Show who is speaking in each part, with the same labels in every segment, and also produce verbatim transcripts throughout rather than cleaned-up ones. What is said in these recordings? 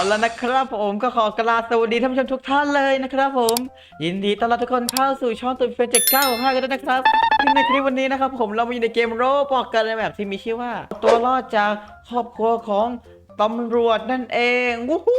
Speaker 1: แล้วนะครับผมก็ขอกราบสวัสดีท่านผู้ชมทุกท่านเลยนะครับผมยินดีต้อนรับทุกคนเข้าสู่ช่องตัวเฟนเจ็ดเก้าห้ากันด้วยนะครับซึ่งในคลิปวันนี้นะครับผมเรามาอยู่ในเกมโรบอกกันในแบบที่มีชื่อว่าตัวรอดจากครอบครัวของตำรวจนั่นเองวู้ฮู้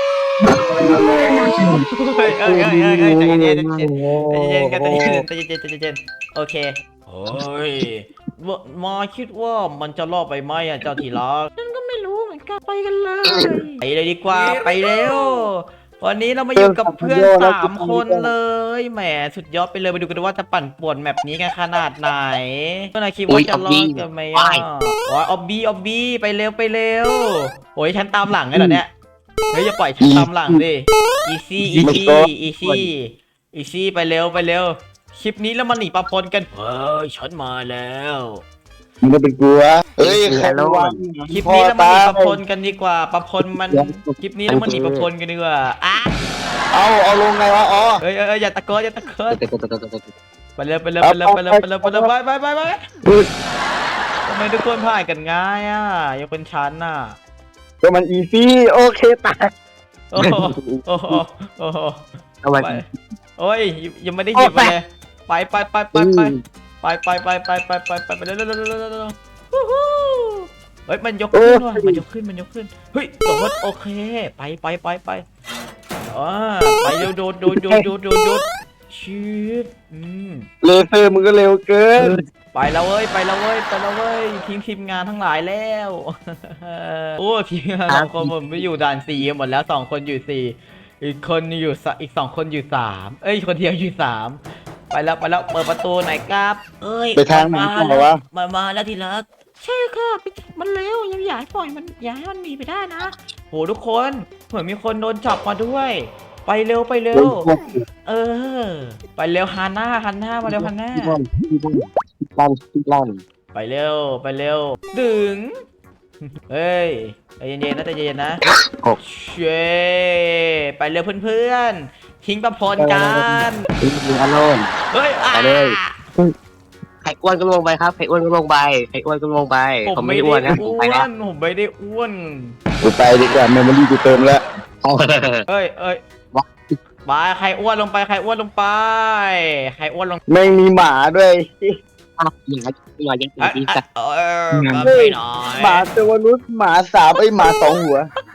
Speaker 1: เฮ้ยเอ้ยเอ้ยเอ้ยเอ้ยใจเย็นใจเย็นใจเย็นกันใจเย็นใจเย็นใจเย็นโอเคโอ้ยมาคิดว่ามันจะรอดไปไหมอ่ะเจ้าที่รักฉันก็ไม่รู้เหมือนกันไปกันเลยไปเลยดีกว่าไปเร็ววันนี้เรามาอยู่กับเพื่อนสามคนเลยแหมสุดยอดไปเลยไปดูกันว่าจะปั่นป่วนแมปนี้กันขนาดไหนเมื่อนายคิดว่าจะรอดกันไหมอ่ะโอ้ยออบบี้ออบบี้ไปเร็วไปเร็วโอ้ยฉันตามหลังไงเหรอเนี่ยเฮ้ยอย่าปล่อยฉันตามหลังดิอีซี่อีซี่อีซี่อีซี่ไปเร็วไปเร็วคลิปนี้แล้วมันหนีปะปนกันเฮ้ยฉันมาแล้ว
Speaker 2: มึงก็เป็นกลัวเอ้ยใครรู้ว่า
Speaker 1: คลิปนี้แล้วมันหนีปะปนกันดีกว่าปะปนมันคลิปนี้แล้วมันหนีปะปนกันดีกว่าอ่ะ
Speaker 2: เอาเอาลงไงวะอ๋อ
Speaker 1: เอ้ยเอ้ยอย่าตะโกนอย่าตะโกนไปเร็วไปเร็วไปเร็วไปเร็วไปเร็วไปเร็วไปไปไปไปทำไมทุกคนพ่ายกันง่ายอ่ะยังเป็นชั้นน่ะ
Speaker 2: ก็มันอีซี่โอเคตาย
Speaker 1: โอ้โหโอ้โหโอ้โหไปโอ้ยยังไม่ได้หยิบเลยไปไปไปไปไปไปไปไปไปไปไปไปเร็วเร็วเร็วเร็วเร็วเฮ้ยมันยกขึ้นว่ะมันยกขึ้นมันยกขึ้นเฮ้ยโดดโอเคไปไปไปไปอ่าไปเร็วโดดโดดโดดโดดโดดโดดชิบอืม
Speaker 2: เลเซอร์มึงก็เร็วเกิน
Speaker 1: ไปแล้วเว้ยไปแล้วเว้ยไปแล้วเว้ยทีมทีมงานทั้งหลายแล้วโอ้ทีมงานสองคนผมไปอยู่ด่านสี่หมดแล้วสองคนอยู่สี่อีกคนอยู่อีกสองคนอยู่สามเอ้ยคนเดียวอยู่สามไปแล้วไปแล้วเปิดประตูไหนครับเอ้ย
Speaker 2: ไปทางไหนต่อวะ
Speaker 1: มามาแล้วทีละใช่ค่ะมันเร็วยังอยากปล่อยมันอยากให้มันมีไปได้นะโหทุกคนเหมือนมีคนโดนจับมาด้วยไปเร็วไปเร็วเออไปเร็วฮันน่าฮันน่ามาเร็วฮันน่า
Speaker 2: ลั่นลั่น
Speaker 1: ไปเร็วไปเร็วดึงเฮ้ยใจเย็นๆนะใจเย็นๆนะเช่ไปเร็วเพื่อนๆทิ้งประพรกัน
Speaker 2: อารมณ์
Speaker 1: เฮ้ย
Speaker 2: ไปเลยไข่อ้วนก็ลงไปครับไข่อ้วนก็ลงไปไข่อ้วนก็ลงไป
Speaker 1: ผมไม่ได้อ้วนผมไปแล้วผมไม่ได้อ้วน
Speaker 2: กูไปดีกว่าเมมโมรี่กูเติมแล้ว
Speaker 1: เอ้ยเอ้ยไปใครอ้วนลงไปใครอ้วนลงไปใครอ้วนลง
Speaker 2: ไม่มีหมาด้วย
Speaker 1: หมาหมายังตีสัตว์เออ
Speaker 2: หมาตัวนุษหมาสามไอหมาสองหัว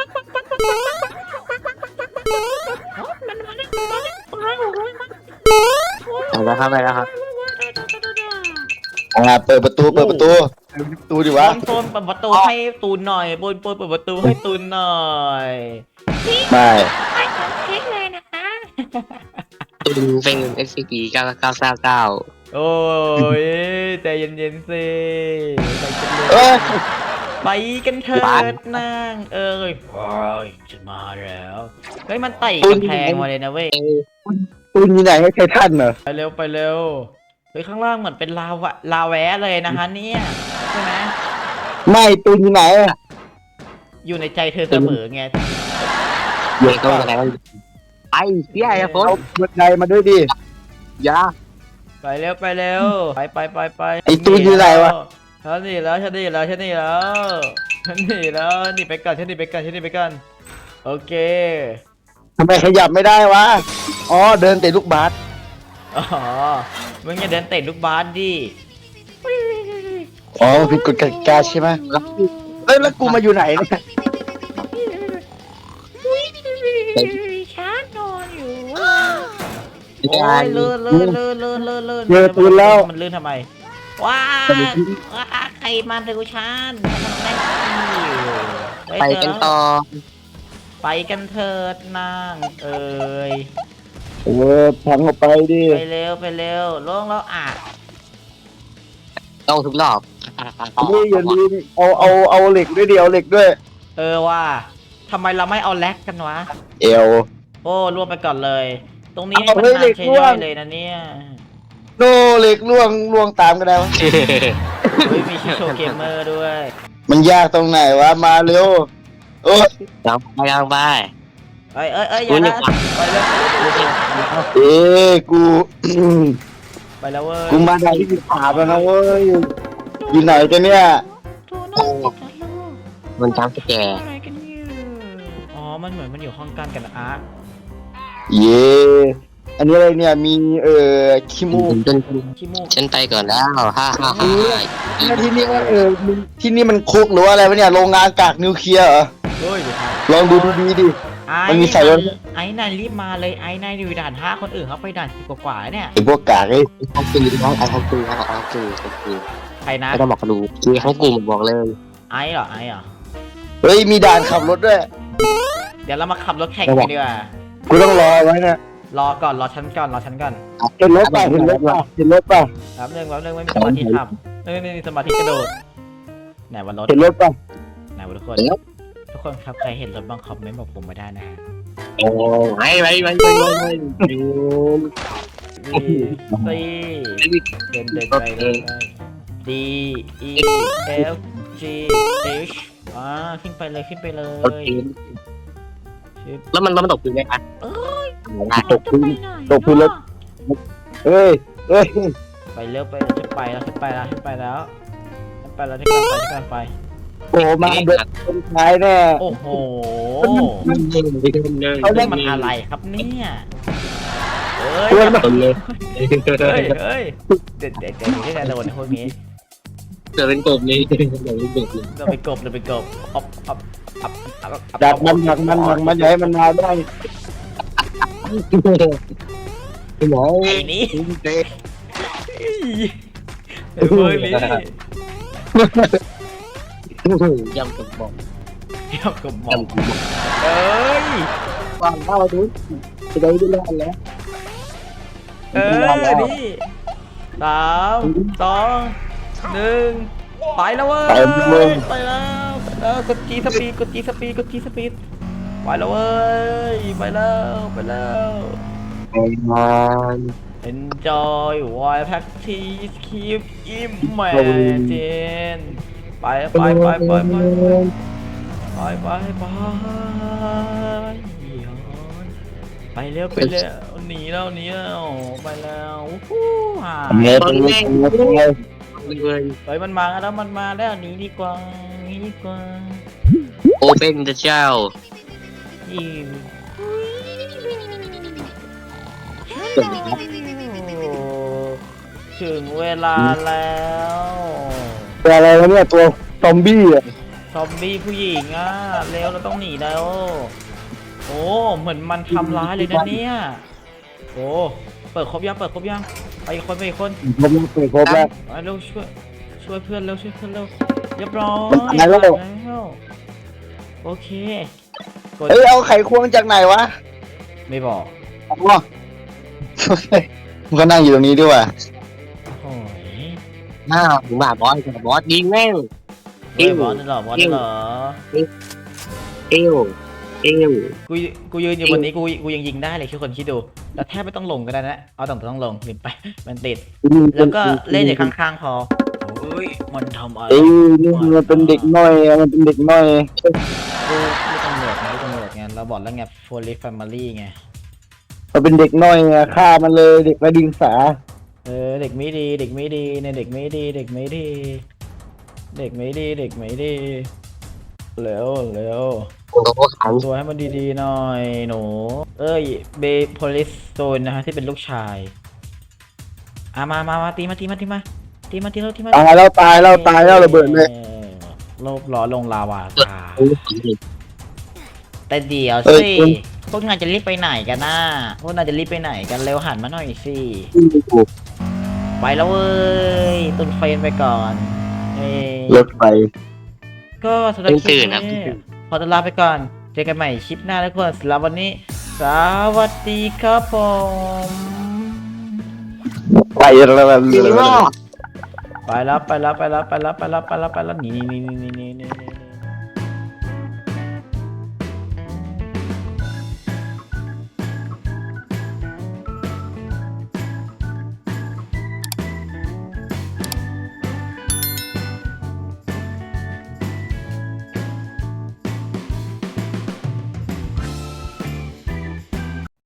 Speaker 1: ไปแล้วครับไปแล้วครับ
Speaker 2: อ่าเปิดประตูเปิดประตูประตูดิวะ
Speaker 1: โซนเปิดประตูให้ตูนหน่อยบนบนเปิดประตูให้ตูนหน่อย
Speaker 2: ไม่
Speaker 1: ไม่ต้องเช็คเลยนะคะ
Speaker 3: ตูนเป็น เอส ซี พี เก้าเก้าเก้าเก้า
Speaker 1: โอ้ยใจเย็นๆสิไปกันเถิดนางเอ้ยโอ้ยฉันมาแล้วเฮ้ยมันไต่กำแพงมาเลยนะเว้ย
Speaker 2: ตูนมีไหนให้ใครท่านเหรอ
Speaker 1: ไปเร็วไปเร็วเฮ้ยข้างล่างเหมือนเป็นลาวะลาแวะเลยนะฮะเนี่ยใช่ไหม
Speaker 2: ไม่ตูนมีไหน
Speaker 1: อยู่ในใจเธอเสมอไง
Speaker 3: เด็กก็อะไรไอ้เหี้ยไอ้ฝน
Speaker 2: เอาบันไดมาด้วยดิ
Speaker 3: ยา
Speaker 1: ไปเร็วไปเร็วไปไปไปไป
Speaker 2: ไอ้ตูนอยู่ไหนวะ
Speaker 1: ฉันหนีแล้วฉันหนีแล้วฉันหนีแล้วฉันหนีแล้วหนีไปก่อนฉันหนีไปก่อนฉันหนีไปก่อนโอเค
Speaker 2: ทำไมขยับไม่ได้วะอ๋อเดินเตะลูกบาส
Speaker 1: อ๋อมึงอย่าเดินเตะลูกบาสดิ
Speaker 2: อ๋อผิดกฎกติกาใช่ไหมเอ้ยแล้วกูมาอยู่ไหนเนี่ย
Speaker 1: ฉันนอนอยู่โอ้ยเลื่อนเลื่อนเลื่อนเลื่อนเลื่อนเลื่อน
Speaker 2: เจอตูนแล้ว
Speaker 1: มันเลื่อนทำไมว้าว้าใครมาดูฉัน
Speaker 3: ไปกันต่อ
Speaker 1: ไปกันเถิดนางเอ้ย
Speaker 2: เออพังออกไปดิ
Speaker 1: ไปเร็วไปเร็วลงแล้วอ่ะ
Speaker 3: ต้องทุกรอบ
Speaker 2: นี่อย่าลืมเอาเอาเอาเหล็กด้วยเดียวเหล็กด้วย
Speaker 1: เออว่าทำไมเราไม่เอาแล็กกันวะ
Speaker 2: เอว
Speaker 1: โอ้รวมไปก่อนเลยตรงนี้ให้มันนานใช้ย่อยเลยนะเนี่ย
Speaker 2: โนเหล็กล่วงล่วงตามกันแล้ว
Speaker 1: เฮ้ยมีชิโชเกมเมอร์ด้วย
Speaker 2: มันยากตรงไหนวะมาเร็วโอ้ย
Speaker 3: ยังไปยังไป
Speaker 1: เอ้ยเอ้ยเอ้ยอย่านะไปเร็ว
Speaker 2: เอ้กู
Speaker 1: ไปแล้วเว้ย
Speaker 2: กูมาได้ที่สิบสามแล้วนะเว้ยอยู่ไหนกันเนี่ย
Speaker 3: มันจำสแก
Speaker 1: อ๋อมันเหมือนมันอยู่ห้องกันกันนะอาร์ต
Speaker 3: เย่อันนี้อะไรเนี่ยมีเอ่อขี้มูก
Speaker 2: จน
Speaker 1: ขี้มูก
Speaker 2: ฉันไปก่อนแล้วฮ่าฮ่าฮ่า
Speaker 3: ที่นี่ว่าเออมันที่นี่มันคุกหรือว่าอะไรวะเนี่ยโรงงานกากนิวเคลียร์เหรอ
Speaker 1: เฮ้ยเดี๋ยวครับ
Speaker 3: ลองดูดีๆดิ
Speaker 1: ไอ้
Speaker 3: มันมีใส่
Speaker 1: น
Speaker 3: ด้วย
Speaker 1: ไอ้นายรีบมาเลยไอ้นายอยู่ด่านห้าคนอื่นเขาไปด่านสิบกว่าๆเนี่ย
Speaker 3: ไอพวกกากไอ้
Speaker 2: เขาตีน้องไอ้เขาตีเขาเขาตีเขาตี
Speaker 1: ใครนะ
Speaker 2: ไม่ต้องบอกดูคือทั้งกลุ่มบอกเลย
Speaker 1: ไอ้เหรอไอ้เหรอ
Speaker 3: เฮ้ยมีด่านขับรถด้วย
Speaker 1: เดี๋ยวเรามาขับรถแข่งกันดีกว่า
Speaker 3: กูต้องรอไว้นะ
Speaker 1: รอก่อนรอฉันก่อนรอฉันก่อน
Speaker 3: เห็นรถป่ะเห็นรถป่ะเห็นรถป่ะ
Speaker 1: แป๊บนึงแป๊บนึงไม่มีสมาธิขับไม่ไม่มีสมาธิกระโดดไหนวันรถ
Speaker 3: เห็นรถป่ะ
Speaker 1: ไหนวะทุกคน ทุกคนครับใครเห็นรถบ้างคอมเมนต์บอกผมมาได้นะฮะ
Speaker 2: โอ้ไว้ไว้ไว้ไว้ไว้
Speaker 1: วีซีเดินเดินไปเลย D E F G H อ่าขึ้นไปเลยขึ้นไปเลยชิป
Speaker 2: แล้วมันแล้วมันตกพื้นไหมคะ
Speaker 3: ตกพื้นตกพื้นรถเฮ้ยเฮ้ย
Speaker 1: ไปเร็วไปจะไปแล้วจะไปแล้วจะไปแล้วจะไปแล้วที่การไปที่การไป
Speaker 3: โอ้มาเดินคนท้ายแน่
Speaker 1: โอ้โห
Speaker 2: มันเดินไปเดินเลย
Speaker 1: นี่มันอะไรครับเนี่ยเฮ้ย
Speaker 3: เพื่อนมา
Speaker 2: คนเลย
Speaker 1: เฮ้ยเฮ้ยเด็ดเด็ดเด็ดที่ไหนโดนพวกนี้
Speaker 2: เดินเป็นกบนี้เดินเป็นกบเลย
Speaker 1: เราไปกบเราไปกบอับอับอับอับอับ
Speaker 3: ดักมันดักมันดักมันอย่าให้มันมาได้
Speaker 2: คุณหมอ
Speaker 1: ไอ้นี่ไอ้พวกนี้
Speaker 2: ยำกบบอก
Speaker 1: เที่ยวกับหมอย
Speaker 2: ำกบบอก
Speaker 1: เอ้ย
Speaker 3: ฟังเข้าดูจะได้ดูแลแล้ว
Speaker 1: เออนี่สามสองหนึ่งไปแล้วเว้ยไปแล้วไปแล้วกดจีสปีดกดจีสปีดกดจีสปีดไปแล้วเว้ยไปแล้วไปแล้ว
Speaker 3: ไอ้มัน
Speaker 1: Enjoy while practice keep imagine ไปไปไปไปไปไปไปไปไปเร็วไปเร็วหนีแล้วหนีแล้วไปแล้ววู้ฮ่า
Speaker 3: เงี้ยเป็นเงี้ยเป็นเงี้ย
Speaker 2: เลย
Speaker 1: เฮ้ยมันมาแล้วมันมาแล้วหนีดีกว่าหนีดีกว่า
Speaker 2: โอเปนเดอะเจ้า
Speaker 1: อีถึงเวลาแล้ว
Speaker 3: ตัวอะไรวะเนี่ยตัวซอมบี้อ่ะ
Speaker 1: ซอมบี้ผู้หญิงอ่ะเร็วเราต้องหนีแล้วโอ้เหมือนมันทำร้ายเลยนะเนี่ยโอ้เปิดครบยังเปิดครบยังไปอีกคนไปอีกคน
Speaker 3: ผมเปิดครบแล้ว
Speaker 1: ไปเร็วช่วยช่วยเพื่อนเร็วช่วยเพื่อนเร็วเรียบร้อย
Speaker 3: มันตายแล้ว
Speaker 1: แล้วโอเคกด
Speaker 3: เอ้ยเอาไขควงจากไหนวะ
Speaker 1: ไม่บอก
Speaker 3: อ๋อมันก็นั่งอยู่ตรงนี้ด้วยว่ะ
Speaker 1: โอ้ย
Speaker 2: อ้าวถึงมาบอสบอสยิงแม่ง
Speaker 1: เฮ้ยบอสนั่นเหรอบอสนั่นเหรอ
Speaker 2: เอวเอว
Speaker 1: กูกูยืนอยู่บนนี้กูกูยังยิงได้เลยทุกคนคิดดูแล้วแทบไม่ต้องลงก็ได้นะเอาต้องต้องลงลืมไปมันติดแล้วก็เล่นอยู่ข้างๆพอโอ้ยมันทำอะไร
Speaker 3: เอ้ยนี่มันเป็นเด็กน้อยอะมันเป็นเด็กน้อย
Speaker 1: กูไม่ตำรวจไงไม่ตำรวจไงเราบอกแล้วไง police family ไง
Speaker 3: มันเป็นเด็กน้อยอะฆ่ามันเลยเด็กไร้เดียงสา
Speaker 1: เออเด็กไม่ดีเด็กไม่ดีเนี่ยเด็กไม่ดีเด็กไม่ดี เด็กไม่ดีเด็กไม่ดีเร็วเร็ว
Speaker 2: โอ้โหขัง
Speaker 1: ตัวให้มันดีๆหน่อยหนูเอ้ยเบย์โพลิสโซนนะฮะที่เป็นลูกชายอ่ะมามามาตีมาตีมาตีมาตีมาตีมาตีมา
Speaker 3: ตายแล้วตายแล้วตายแล้วระเบิดเลย
Speaker 1: โลบล้อลงลาวาตา
Speaker 2: โอ้โห
Speaker 1: แต่เดี๋ยว
Speaker 3: เอ้ย
Speaker 1: สิ
Speaker 3: คุณ
Speaker 1: พวกนายจะรีบไปไหนกันน่ะพวกนายจะรีบไปไหนกันเร็วหันมาหน่อยสิไปแล้วเว้ยตุนเฟรนไปก่อนเอ้ย
Speaker 3: รถไฟ
Speaker 1: ก็สำหรับคลิปนี้ขอตัวลาไปก่อนเจอกันใหม่คลิปหน้าทุกคนสำหรับวันนี้สวัสดีครับผม
Speaker 3: ไปแล้ว
Speaker 2: จริงเหรอ
Speaker 1: ไปแล้วไปแล้วไปแล้วไปแล้วไปแล้วไปแล้วไปแล้วหนีหนีหนีหนีหนีหนี